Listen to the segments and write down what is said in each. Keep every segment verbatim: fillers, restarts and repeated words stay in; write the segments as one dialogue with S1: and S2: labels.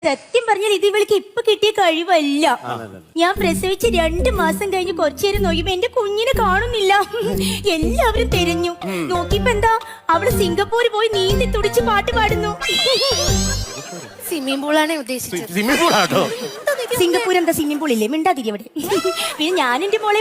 S1: സത്യം പറഞ്ഞാൽ ഇത് ഇവൾക്ക് ഇപ്പൊ കിട്ടിയ കഴിവല്ല. ഞാൻ പ്രസവിച്ച് രണ്ട് മാസം കഴിഞ്ഞ് കുറച്ചേരം നോക്കിയപ്പോ എന്റെ കുഞ്ഞിനെ കാണുന്നില്ല. എല്ലാവരും തിരഞ്ഞു നോക്കിയപ്പോ എന്താ അവള് സിംഗപ്പൂര് പോയി നീന്തി തുടിച്ച് പാട്ട് പാടുന്നു.
S2: സ്വിമ്മിംഗ് പൂളാണ് ഉദ്ദേശിച്ചത്.
S3: സ്വിമ്മിംഗ് പൂൾ ആട്ടോ.
S1: സിംഗപ്പൂർ എന്താ സ്വിമ്മിംഗ് പൂൾ ഇല്ലേ? മിണ്ടാതിരി അവിടെ. പിന്നെ ഞാൻ എന്റെ മോളെ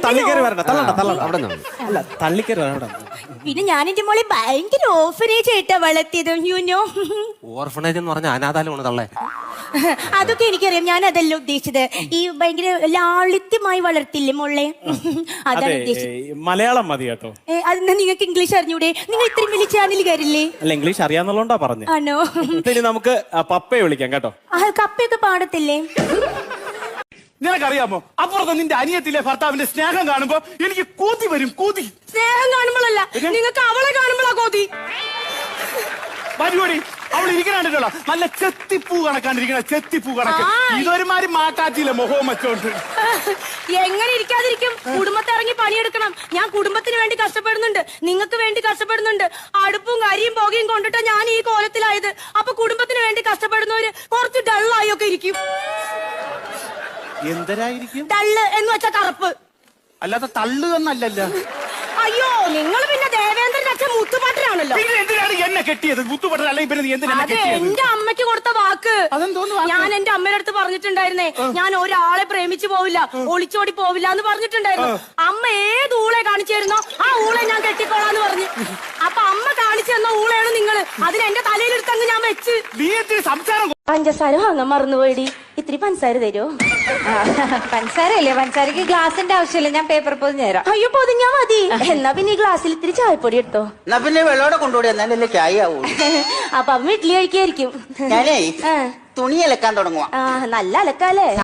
S1: പിന്നെ ഞാൻ എന്റെ മോളെ ഭയങ്കര ഓർഫനേജ് ആയിട്ടാ വളർത്തിയത്. യുനോ
S3: ഓർഫനേജ് എന്ന് പറഞ്ഞ അനാഥാലമാണ് തള്ളേ.
S1: അതൊക്കെ എനിക്കറിയാം. ഞാൻ അതല്ല ഉദ്ദേശിച്ചത്. ഈ ഭയങ്കര ലാളിത്യമായി വളർത്തില്ലേ മോളെ, അതാണ് ഉദ്ദേശിച്ചത്.
S4: മലയാളം മതി കേട്ടോ.
S1: അതെന്നാ നിങ്ങൾക്ക് ഇംഗ്ലീഷ് അറിഞ്ഞൂടെ? നിങ്ങൾ ഇത്രയും വലിയ ചാനലുകാരില്ലേ?
S4: അല്ല, ഇംഗ്ലീഷ് അറിയാന്നുള്ളതുകൊണ്ടാ പറഞ്ഞു.
S1: ആണോ?
S4: ഇനി നമുക്ക് പപ്പയെ വിളിക്കാം കേട്ടോ.
S1: കപ്പയൊക്കെ പാടത്തില്ലേ?
S5: നിനക്കറിയാമോ, അപ്പുറത്ത് നിന്റെ അനിയത്തിലെ ഭർത്താവിന്റെ സ്നേഹം കാണുമ്പോ എനിക്ക് കൂതി വരും. കൂതി
S2: സ്നേഹം കാണുമ്പോഴല്ല, നിങ്ങൾക്ക് അവളെ കാണുമ്പോഴാ കോതി.
S5: പരിപാടി അവൾ ഇരിക്കണോ നല്ല ചെത്തിപ്പൂ കണക്കാണ്ടിരിക്കണ, ചെത്തിപ്പൂ കണക്ക്. ഇതൊരുമാതിരി മാറ്റാറ്റില്ല മുഖവും വെച്ചോണ്ട്.
S2: എങ്ങനെ ഇരിക്കാതിരിക്കും? കുടുംബത്തെ ഇറങ്ങി പണിയെടുക്കണം. ഞാൻ കുടുംബത്തിന് വേണ്ടി കഷ്ടപ്പെടുന്നുണ്ട്, നിങ്ങൾക്ക് വേണ്ടി കഷ്ടപ്പെടുന്നുണ്ട്. അടുപ്പും കരിയും പുകയും കൊണ്ടിട്ടാ ഞാൻ ഈ കോലത്തിലായത്. അപ്പൊ കുടുംബത്തിന് വേണ്ടി കഷ്ടപ്പെടുന്നവര് കുറച്ച് ഡള്ളായി ഒക്കെ ഇരിക്കും.
S5: എന്തരായിരിക്കും
S2: ഡള്ള് എന്ന് വെച്ചാ കറുപ്പ്,
S5: അല്ലാതെ തള്ളു എന്നല്ലല്ലോ.
S2: അയ്യോ, നിങ്ങൾ പിന്നെ ദേവേന്ദ്രന്റെ അച്ഛൻ മുത്തുപാട്ടനാണല്ലോ.
S5: പിന്നെ എന്തിനാണ് എന്നെ കെട്ടിയത്? മുത്തുപെട്ട അല്ലെങ്കിൽ പിന്നെ നീ എന്തിനാ
S2: അതെ, എന്റെ അമ്മയ്ക്ക് കൊടുത്ത വാക്ക്.
S5: അതെന്തോന്ന്?
S2: ഞാൻ എന്റെ അമ്മയുടെ അടുത്ത് പറഞ്ഞിട്ടുണ്ടായിരുന്നേ, ഞാൻ ഒരാളെ പ്രേമിച്ചു പോവില്ല, ഒളിച്ചോടി പോവില്ല എന്ന് പറഞ്ഞിട്ടുണ്ടായിരുന്നു. അമ്മ ഏത് ഊളെ കാണിച്ചു തരുന്നോ ആ ഊളെ ഞാൻ കെട്ടിക്കോളാന്ന് പറഞ്ഞു. അപ്പൊ അമ്മ കാണിച്ചു തന്ന ഊളയാണ് നിങ്ങള്. അതിന് എന്റെ തലയിലെടുത്തങ്ങ് ഞാൻ വെച്ച്.
S5: നീ എന്തിന് സംസാരം?
S1: പഞ്ചസാര വാങ്ങാൻ മറന്നുപോയിടി. ഇത്തിരി പഞ്ചസാര തരുമോ?
S6: പഞ്ചസാരല്ലേ? പഞ്ചസാരക്ക് ഗ്ലാസിന്റെ ആവശ്യമില്ല, ഞാൻ പേപ്പർ പൊതിഞ്ഞു തരാം.
S1: അയ്യോ, പൊതിഞ്ഞാ മതി. എന്നാ പിന്നെ ഈ ഗ്ലാസ്സിൽ ഇത്തിരി ചായപ്പൊടി എടുത്തോ.
S7: എന്നാ പിന്നെ വെള്ളോടെ കൊണ്ടുപോയി എന്നാലല്ലേ ചായ ആവൂ.
S1: അപ്പൊ അമ്മ ഇഡ്ഡലി കഴിക്കായിരിക്കും.
S7: ഞാനേ തുണി അലക്കാൻ തുടങ്ങുവാ.
S1: ആ, നല്ല അലക്കാലേ.